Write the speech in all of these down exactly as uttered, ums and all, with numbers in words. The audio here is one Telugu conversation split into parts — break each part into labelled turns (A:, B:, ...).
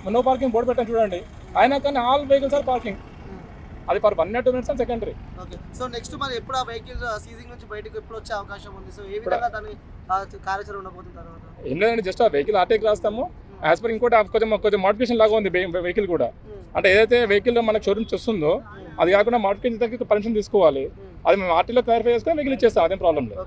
A: నో పార్కింగ్ బోర్డు పెట్టాను చూడండి, అయినా కానీ ఆల్ వెహికల్స్ ఆర్ పార్కింగ్. అది for one two minutes and secondary.
B: Okay. So next మరి ఎప్పుడు ఆ వెహికల్ సీజింగ్ నుంచి బయటకు ఎప్పుడు వచ్చే అవకాశం ఉంది? సో ఏ విధంగా దాని కార్యాచరణ ఉండబోతుంది తర్వాత?
A: ఏం లేదండి, జస్ట్ ఆ వెహికల్ ఆర్టీకి రాస్తాము. యాజ్ పర్ ఇంకోటి కొంచెం కొంచెం మోడిఫికేషన్ లాగా ఉంది వెహికల్ కూడా. అంటే ఏదైతే వెహికల్ మనకు షోరూమ్స్ వస్తుందో అది కాకుండా మోడిఫికేషన్ దగ్గర పర్మిషన్ తీసుకోవాలి. అది మేము ఆర్టీలో క్లారిఫై చేసుకుని వెహికల్ ఇచ్చేస్తాం, అదేం ప్రాబ్లం లేదు.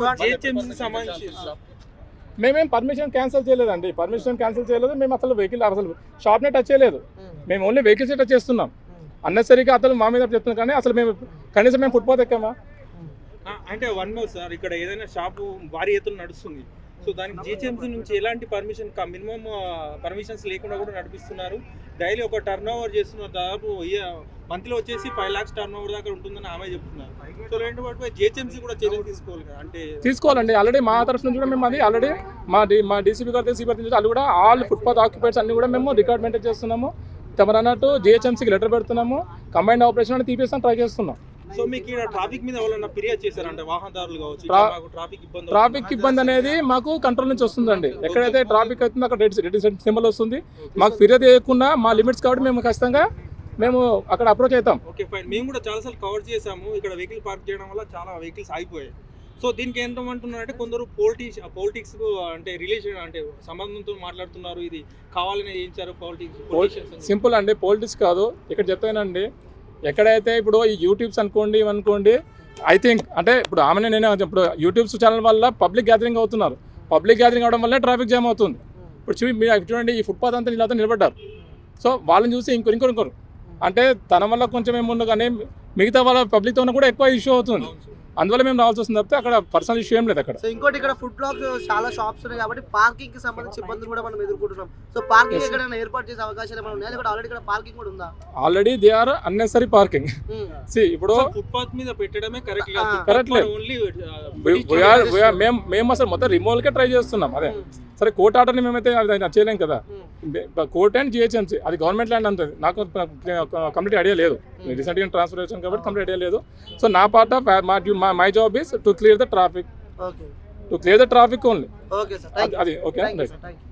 A: మేమేం పర్మిషన్ క్యాన్సిల్ చేయలేదండి, పర్మిషన్ క్యాన్సిల్ చేయలేదు. మేము అసలు వెహికల్ అసలు షాప్నే టచ్ చేయలేదు, మేము ఓన్లీ వెహికల్స్ టచ్ చేస్తున్నాం. అన్నెసరీగా అతను మా మీద చెప్తున్నాం, కానీ అసలు మేము కనీసం మేము ఫుట్పాత్ ఎక్కామా?
C: అంటే వన్ మోర్ సార్, ఇక్కడ ఏదైనా షాపు భారీ ఎత్తున నడుస్తుంది, సో దానికి జిహెచ్ఎంసీ నుంచి ఎలాంటి పర్మిషన్ మినిమం పర్మిషన్స్ లేకుండా కూడా నడిపిస్తున్నారు. డైలీ ఒక టర్న్ ఓవర్ చేస్తున్నారు, దాదాపు మంత్లో వచ్చేసి ఫైవ్ లాక్స్ టర్న్ ఓవర్ దాకా ఉంటుందని ఆమె చెప్తున్నారు. సో రెండు వాటిపై జిహెచ్ఎంసీ కూడా చర్యలు తీసుకోవాలి కదా, అంటే
A: తీసుకోవాలండి. ఆల్రెడీ మా తరఫు నుంచి కూడా మేము అది ఆల్రెడీ మా డి మా డీసీపీ గారు సిబిఐ నుంచి అది కూడా ఆల్ ఫుట్పాత్ ఆక్యుపైడ్స్ అన్ని కూడా మేము రికార్డ్ మెయింటైన్ చేస్తున్నాము. తమరు అన్నట్టు జిహెచ్ఎంసీకి లెటర్ పెడుతున్నాము, కంబైన్డ్ ఆపరేషన్ అని తీపిస్తాం ట్రై చేస్తున్నాం.
C: సో మీకు ఇక్కడ ట్రాఫిక్ మీద ఎవరైనా ఫిర్యాదు చేశారంటే వాహనదారులు కావచ్చు, ట్రాఫిక్ ఇబ్బంది
A: ట్రాఫిక్ ఇబ్బంది అనేది మాకు కంట్రోల్ నుంచి వస్తుందండి. ఎక్కడైతే ట్రాఫిక్ అవుతుందో అక్కడ రెడ్ రెడ్ సింబల్ వస్తుంది. మాకు ఫిర్యాదు చేయకుండా మా లిమిట్స్ కాబట్టి మేము ఖచ్చితంగా మేము అక్కడ అప్రోచ్ అవుతాం.
C: Okay fine. మేము కూడా చాలాసార్లు కవర్ చేసాము, ఇక్కడ వెహికల్ పార్క్ చేయడం వల్ల చాలా వెహికల్స్ ఆగిపోయాయి. సో దీనికి ఏంటంటున్నారంటే కొందరు పొలిటిక్స్ పొలిటిక్స్ అంటే రిలేషన్ అంటే సంబంధంతో మాట్లాడుతున్నారు, ఇది కావాలని చేయించారు పాలిటిక్స్.
A: సింపుల్ అండి, పొలిటిక్స్ కాదు. ఇక్కడ చెప్తానండి, ఎక్కడైతే ఇప్పుడు ఈ యూట్యూబ్స్ అనుకోండి ఇవనుకోండి, ఐ థింక్ అంటే ఇప్పుడు ఆమెనే నేనే ఇప్పుడు యూట్యూబ్స్ ఛానల్ వల్ల పబ్లిక్ గ్యాదరింగ్ అవుతున్నారు. పబ్లిక్ గ్యాదరింగ్ అవడం వల్ల ట్రాఫిక్ జామ్ అవుతుంది. ఇప్పుడు చూ మీరు చూడండి, ఈ ఫుట్పాత్ అంతా ఇలా నిలబడ్డారు. సో వాళ్ళని చూసి ఇంకొరు ఇంకొరు ఇంకొరు అంటే తన వల్ల కొంచెం ఏముండు, కానీ మిగతా వాళ్ళ పబ్లిక్తో కూడా ఎక్కువ ఇష్యూ అవుతుంది. అందువల్ల మేము రావాల్సి వస్తుంది తప్పితే అక్కడ పర్సనల్ ఇష్యూ ఏం లేదు అక్కడ.
B: సో ఇంకోటి ఇక్కడ ఫుడ్ బ్లాక్ చాలా షాప్స్ ఉన్నాయి కాబట్టి పార్కింగ్ కి సంబంధించి ఇబ్బందులు కూడా మనం ఎదుర్కొంటున్నాం. సో పార్కింగ్ ఎక్కడైనా ఏర్పాటు చేసే అవకాశాలు ఏమైనా ఉన్నాయా, లేకపోతే ఆల్రెడీ ఇక్కడ పార్కింగ్ కూడా ఉందా?
A: Already they are unnecessary parking. See ఇప్పుడు
C: ఫుట్పాత్ మీద పెట్టడమే కరెక్ట్
A: కరెక్ట్ లేదు. మేము మేము అసలు మొత్తం రిమూవల్ కే ట్రై చేస్తున్నాం. అదే సరే, కోర్ట్ ఆర్డర్ని మేమైతే చేయలేం కదా. కోర్ట్ అండ్ జిహెచ్ఎంసీ అది గవర్నమెంట్ ల్యాండ్ అంటుంది. నాకు కంప్లీట్ ఐడియా లేదు, రీసెంట్గా ట్రాన్స్ఫర్ వచ్చాను కాబట్టి కంప్లీట్ ఐడియా లేదు. సో నా part of my job is to clear the traffic, to clear the traffic only. అది ఓకే.